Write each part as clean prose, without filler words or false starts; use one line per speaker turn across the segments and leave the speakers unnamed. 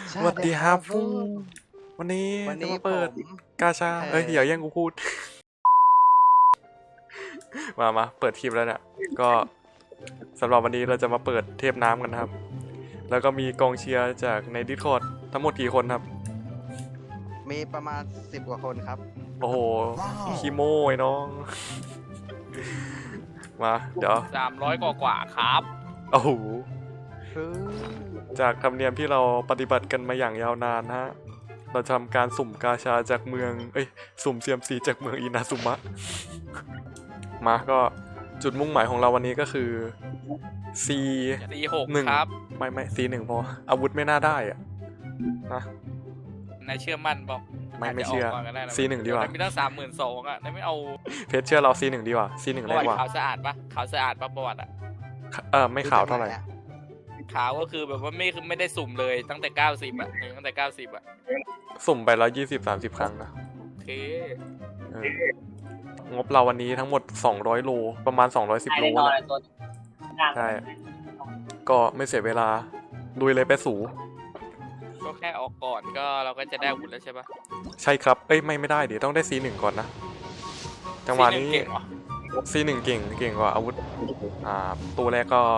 สวัสดีครับฟูวันนี้จะมาเปิดกาชาอย่าแย่งกูพูด มาเปิดคลิปแล้วเนี่ยก็สำหรับวันนี้เราจะมาเปิดเทปน้ำกันนะครับแล้วก็มีกองเชียร์จากใน Discord ทั้งหมดกี่คนครับ
มีประมาณ10 กว่าคนครับ
โอ้โหคีโมไอ้น้องมาเดี๋ยว
300 กว่าครับ
โอ้โหจากธรรมเนียมที่เราปฏิบัติกันมาอย่างยาวนานฮะเราทำการสุ่มกาชาจากเมืองสุ่มเซียมซีจากเมืองอินาซุมะมาก็จุดมุ่งหมายของเราวันนี้ก็คือ
C1 ครับ
ไม่ C1 พออาวุธไม่น่าได้อะนะ
นายเชื่อมั่นบอก
ไม่เชื่อ C1 ดีกว่า
มีตั้ง 32,000 อ่ะนายไม่เอา
เพชรเชื่อเรา C1 ดีกว่า C1 แรงกว่า
ขาวสะอาดปะขาวสะอาดปะประวัติอะ
ไม่ขาวเท่าไหร่
ขาวก็คือแบบว่าไม่ได้สุ่มเลยตั้งแต่90อ่ะตั้งแต่90อ่ะ
สุ่มไป120-30 ครั้งนะ
โอเค
งบเราวันนี้ทั้งหมด200โลประมาณ210โลใช่ก็ไม่เสียเวลาลุยเลยไปสู่
ก็แค่ออกก่อนก็เราก็จะได้อาวุธแล้วใช่ปะ
ใช่ครับไม่ได้เดี๋ยวต้องได้ C1 ก่อนนะจังหวะนี้ C1 เก่งกว่าอาวุธตัวแรกก็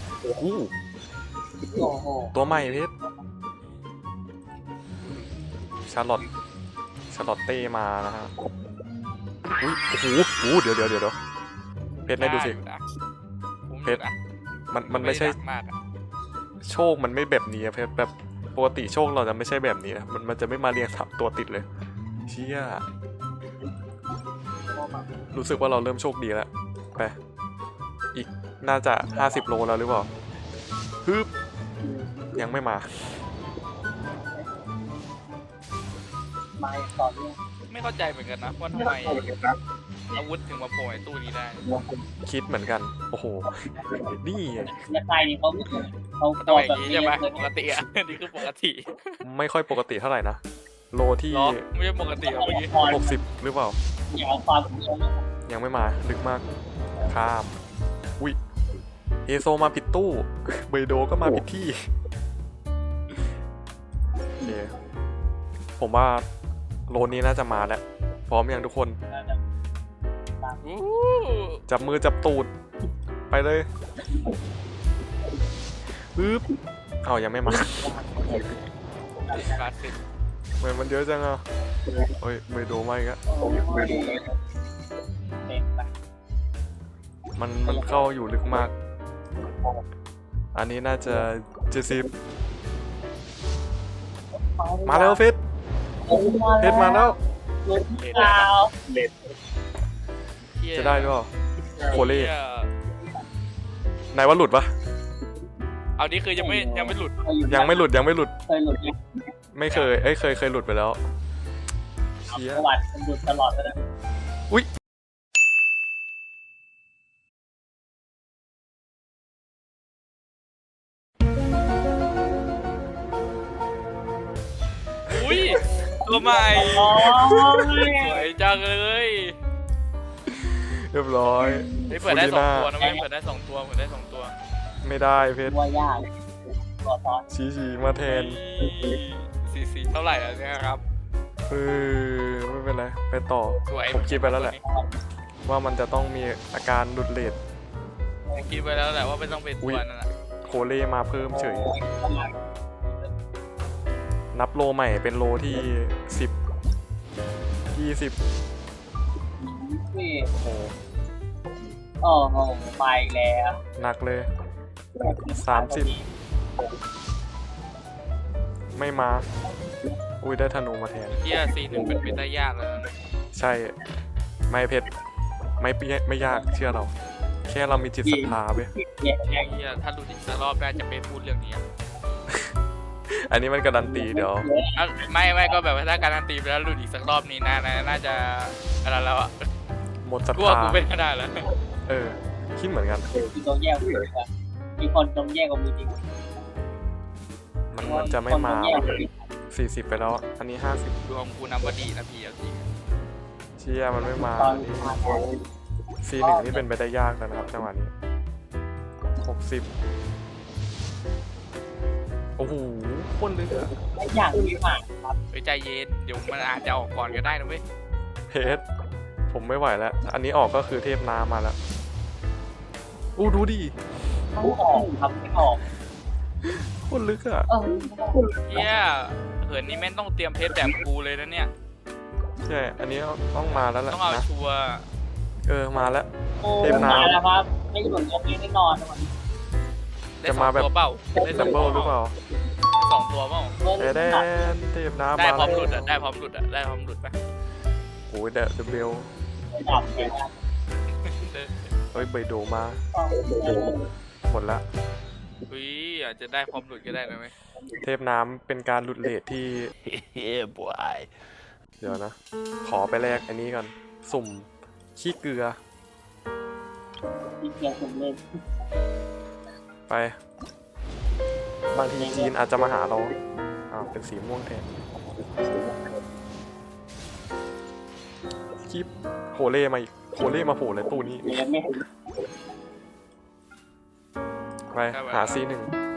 ตัวใหม่เพชรชาร์ลอตเต้มานะฮะโอ้โหเดี๋ยวเพชรได้ดูสิเพชรมันไม่ใช่โชคมันไม่แบบนี้เพชรแบบปกติโชคเราจะไม่ใช่แบบนี้นะมันจะไม่มาเรียงทับตัวติดเลยเชี่ยรู้สึกว่าเราเริ่มโชคดีแล้วไปอีกน่าจะ50โลแล้วหรือเปล่าฮึบยังไม่มา
ไม่เข้าใจเหมือนกันนะว่าทำไมอาวุธถึงมาโผล่ในตู้นี้ได้
คิดเหมือนกันโอ้โหนี่
ใครนี่เขา
ตัวอย่างนี้ใช่ไหมปกติอ่ะนี่คือปกติ
ไม่ค่อยปกติเท่าไหร่นะโลที่
ไม่ใช่ปกติเมื่อกี้
60หรือเปล่ายังไม่มาลึกมากข้ามอุ้ยเอโซมาผิดตู้เบโดก็มาผิดที่โอเคผมว่าโลนี้น่าจะมาแล้วพร้อมยังทุกคนจับมือจับตูดไปเลยปึ๊บยังไม่มาเหมือนมันเยอะจังอ่ะเฮ้ยเบโดไม่ก็มันเข้าอยู่ลึกมากอันนี้น่าจะ70มาแล้วเฟสมาแล้วจะได้หรือเปล่าโคเล่ไหนว่าหลุดปะ
เอานี่คือยังไม่หลุด
ไม่เคยเคยหลุดไปแล้วเชี่ย
ประวัติมันหลุดตลอดเลยนะ
อุ้ย
ตัวใหม่สวยจังเลย
เรียบร้อย
เปิดได้2 ตัวนะเปิดได้2 ตัว
ไม่ได้เพชร
ว่ายาก
ชี้มาแทน
สีเท่าไหร่แล้วเนี่ยครับ
ไม่เป็นไรไปต่อผมคิดไปแล้วแหละว่ามันจะต้องมีอาการหลุดเลท
คิดไปแล้วแหละว่าไม่ต้องเป็นตัวนั่นแหละ
โคเล่มาเพิ่มเฉยนับโลใหม่เป็นโลที่10 20
โอ้โหไปแล้ว
หนักเลย30ไม่มาอุ้ยได้ธนูมาแทน
C1เป็นได้ยากแล้วนะ
ใช่ไม่เพชรไม่ยากเชื่อเราแค่เรามีจิตศรัทธาไป
ถ้าหลุดอีกสักรอบได้จะไปพูดเรื่องนี้
อันนี้มันการันตีเดี๋ยว
ไม่ก็แบบว่าถ้าการันตีไปแล้วหลุดอีกสักรอบนี้น่าจะอะไรแล้วอ่ะ
หมดศรัทธา
กูเป็นก็ได้แล้ว
คิดเหมือนกัน
มีคนต้องแยกกับมือจริง
มันจะไม่มา40ไปแล้วอันนี้50
ดวงกูนับว่าดีนะพี่จริง
เชี่ยมันไม่มาC1นี่เป็นไปได้ยากแล้วนะครับจังหวะนี้60โอ้อ้โหโคนลึกอะ
และอย่างที่ผ่านครับ
เฮ้ยใจเย็นเดี๋ยวมันอาจจะออกก่อนก็ได้นะเว้ย
เพชรผมไม่ไหวแล้ว อันนี้ออกก็คือเทพน้ำมาแล้วอู้ดูดิ
ต้องออกครับไม่ออก
โคนลึกอะ
เฮียเหินนี่แม่งต้องเตรียมเพชรแบบกูเลยนะเนี่ย
ใช่อันนี้ต้องมาแล้วแหละ
ต้องเอา
นะ
ชัวร์
มาแล้ว
โอ้
เทพน้ำ
มาแล้วครับไม่หลุดลงนี้แน่นอนนะวันนี้
ได้
จะ
ส
มา
อง
แบบ
ตัวเปล่าได้
ดับเบิลหรือเปล่า
สองตัวเปล่า
แดนเทพน้ำ
ได้
มา
พร้อมห
แล้
ลุด
ว
ได้พร้อมหลุดได้พร้อมหลุดปะ
โอ้ยเดอะเบล
ดับเลยนะ
เฮ้ยเบยโดมาหมดละ
อุ้ยอาจจะได้พร้อมหลุดก็ได้นะเว้ย
เทพน้ำเป็นการหลุดเลทที่
Yeah, boy.
เดี๋ยวนะ ขอไปแลกอันนี้ก่อนสุ่มขี้เกลือ
ที่เพียงผมเล่น
ไป บางทีจีนอาจจะมาหาเราอ้าวเป็นสีม่วงแทนคลิปโฮเล่มาอีกโฮเล่มาโผล่ในตู้นี้
เล่นไม่ถึง
ไปหาC1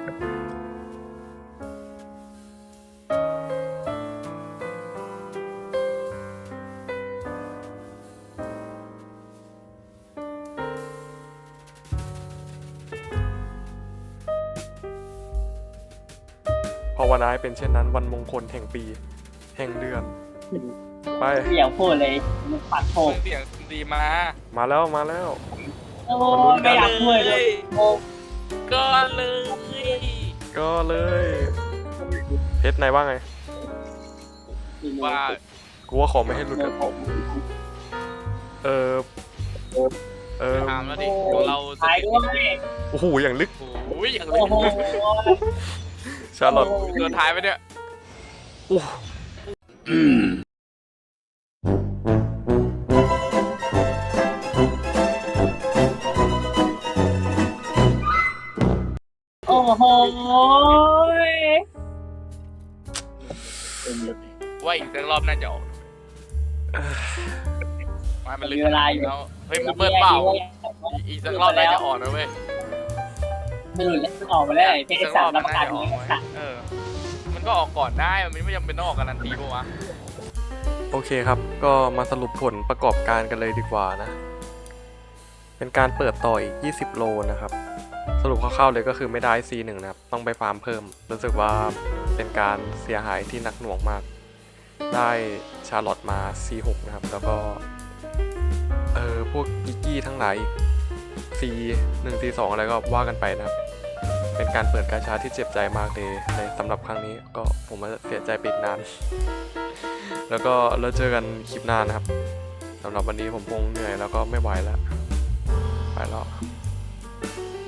ภาวนาให้เป็นเช่นนั้นวันมงคลแห่งปี แห่งเดือน ไป
เสียงพูดเลยมันปัดโผ
เสียงดีมา
มาแล้วมาแล้ว
โอ้ไม่อยากพูดเลยโอ้
ก็เลย
ก็เลยเพชรนายว่าไง
ว่า
กูว่าขอไม่ให้หลุดกันเออ
ถามแล้วดิของเราส
ท้าย
ถิ
ด้ว
ติ
ย
โอ้โหอย่างลึก
โอ้ยอย่างเล
โอ้โห
ย
ชาร์ลอต
ตัวท้ายไปเนี่ย
โอ้
โอ้โห
ว่าอีกสักรอบน่าจะออกมันลึก
มีเวลาอยู่
แล้วเฮ้ยมันเปิดเปล่าอีกสักรอบน่าจะออกนะเว้ย
ไม่หลุดแล้วออกมาแล้วเพ
อีก
ช
สั
ร
กร
สา
อ
ม
บมั
รั
น
บประ
น่า
กัน
จะออก
ไม่
เว้ย
ขาด
มันก็ออกก่อนได้มันไม่จำเป็นต้องออกการันตีปะวะ
โอเคครับ ก็มาสรุปผลประกอบการกันเลยดีกว่านะ เป็นการเปิดต่ออีก20 โลนะครับ สรุปคร่าวๆเลยก็คือไม่ได้ C1 นะครับ ต้องไปฟาร์มเพิ่ม รู้สึกว่าเป็นการเสียหายที่หนักหน่วงมาก ได้ชาร์ลอตมา C6 นะครับ แล้วก็ พวกกิกกี้ทั้งหลายอีก C1 C2 อะไรก็ว่ากันไปนะครับ เป็นการเปิดกาชาที่เจ็บใจมากเลยในสำหรับครั้งนี้ก็ผมว่าเสียใจไปอีกนาน แล้วก็เราเจอกันคลิปหน้านะครับสำหรับวันนี้ผมคงเหนื่อยแล้วก็ไม่ไหวแล้ว ไปแล้ว